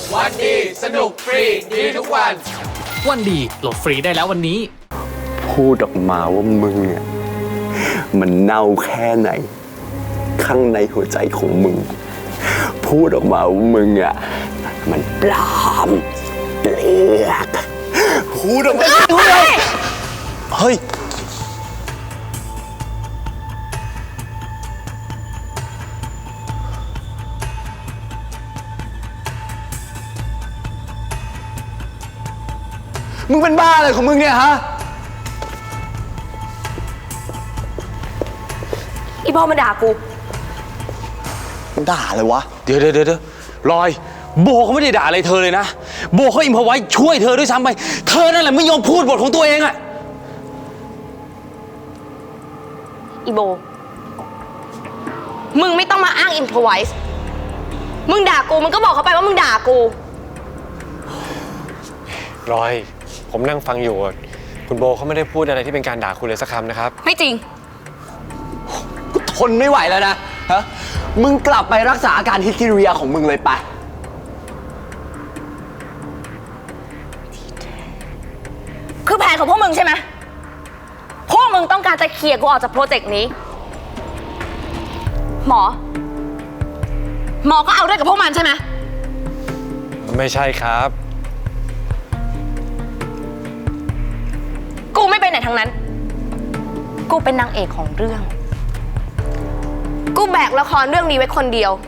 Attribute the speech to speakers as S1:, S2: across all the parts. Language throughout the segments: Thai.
S1: วันดีสนุกฟรีดีทุกวัน
S2: วันดีโหลดฟรีได้แล้ววันนี้
S3: พูดออกมาว่ามึงเนี่ยมันเน่าแค่ไหนข้างในหัวใจของมึงพูดออกมาว่ามึงอ่ะมันปลอมเปลือกพูดออกมาเฮ้ยมึงเป็นบ้าอะไรของมึงเนี่ยฮะ
S4: อีพ่อมาด่ากู
S3: ด่าเลยวะ
S1: เดี๋ยวลอยโบเขาไม่ได้ด่าอะไรเธอเลยนะโบเขาอิมพอไว้ช่วยเธอด้วยซ้ำไปเธอนั่นแหละไม่ยอมพูดบทของตัวเองอะ
S4: อีโบมึงไม่ต้องมาอ้างอิมพอไวส์มึงด่ากูมึงก็บอกเขาไปว่ามึงด่ากู
S5: รอยผมนั่งฟังอยู่คุณโบเขาไม่ได้พูดอะไรที่เป็นการด่าคุณเลยสักคำนะครับ
S4: ไม่จริง
S3: กูทนไม่ไหวแล้วนะฮะมึงกลับไปรักษาอาการฮิสทีเรียของมึงเลยไป
S4: คือแผนของพวกมึงใช่ไหมพวกมึงต้องการจะเคลียร์กูออกจากโปรเจกต์นี้หมอก็เอาด้วยกับพวกมันใช่ไหม
S5: ไม่ใช่ครับ
S4: กูไม่ไปไหนทั้งนั้นกูเป็นนางเอกของเรื่องกูแบกละครเรื่องนี้ไว้คนเดียว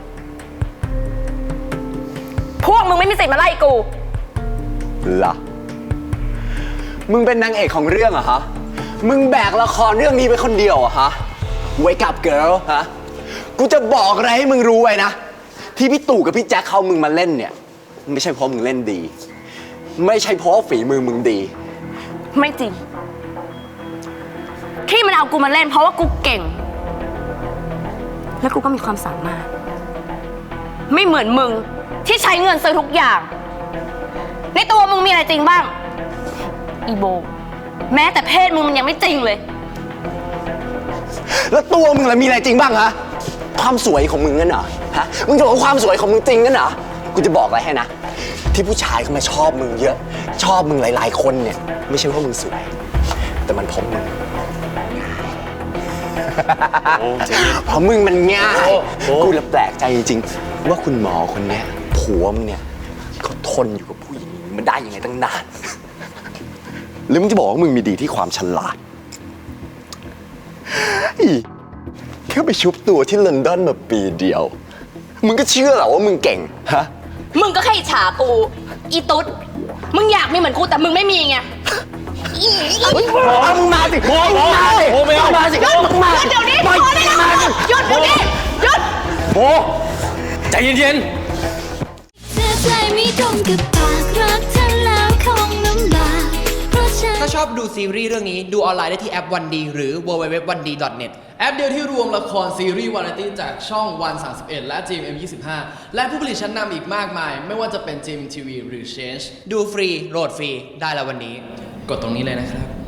S4: พวกมึงไม่มีสิทธิ์มาไล่กู
S3: ล่ะมึงเป็นนางเอกของเรื่องเหรอฮะมึงแบกละครเรื่องนี้ไว้คนเดียวเหรอฮะ Wake up girl ฮะกูจะบอกอะไรให้มึงรู้ไว้นะที่พี่ตู่กับพี่แจ็คเขามึงมาเล่นเนี่ยไม่ใช่เพราะมึงเล่นดีไม่ใช่เพราะฝีมือมึงดี
S4: ไม่จริงที่มันเอากูมาเล่นเพราะว่ากูเก่งแล้วกูก็มีความสามารถไม่เหมือนมึงที่ใช้เงินซื้อทุกอย่างในตัวมึงมีอะไรจริงบ้างอีโบแม้แต่เพศมึงมันยังไม่จริงเลย
S3: แล้วตัวมึงล่ะมีอะไรจริงบ้างฮะความสวยของมึงนั่นเหรอฮะมึงจะบอกว่าความสวยของมึงจริงนั่นเหรอกูจะบอกอะไรให้นะที่ผู้ชายเขามาชอบมึงเยอะชอบมึงหลายๆคนเนี่ยไม่ใช่เพราะมึงสวยแต่มันเพราะมึงเพราะมึงมันง่ายกูเลยแปลกใจจริงๆว่าคุณหมอคนเนี้ยผัวมึงเนี่ยเขาทนอยู่กับผู้หญิงมันได้ยังไงตั้งนานหรือมึงจะบอกว่ามึงมีดีที่ความฉลาดแค่ไปชุบตัวที่ลอนดอนมาปีเดียวมึงก็เชื่อเหรอว่ามึงเก่งฮะ
S4: มึงก็แค่อิจฉากูอีตุ๊ดมึงอยากมีเหมือนกูแต่มึงไม่มีไง
S3: มึงมาสิมึงมาสิ
S1: ไม่เอา
S3: มาสิมึงมาสิ
S4: เดี๋ยวนี้พอได้แล้วหยุดเดี๋ยวนี้หยุด
S1: โบใจเย็น
S2: ถ้าชอบดูซีรีส์เรื่องนี้ดูออนไลน์ได้ที่แอปวันดีหรือ www.1d.net แอปเดียวที่รวมละครซีรีส์วาไรตี้จากช่องวัน31และ GMM25 และผู้ผลิตชั้นนำอีกมากมายไม่ว่าจะเป็น GMMTV หรือ Change ดูฟรีโหลดฟรีได้แล้ววันนี้กดตรงนี้เลยนะครับ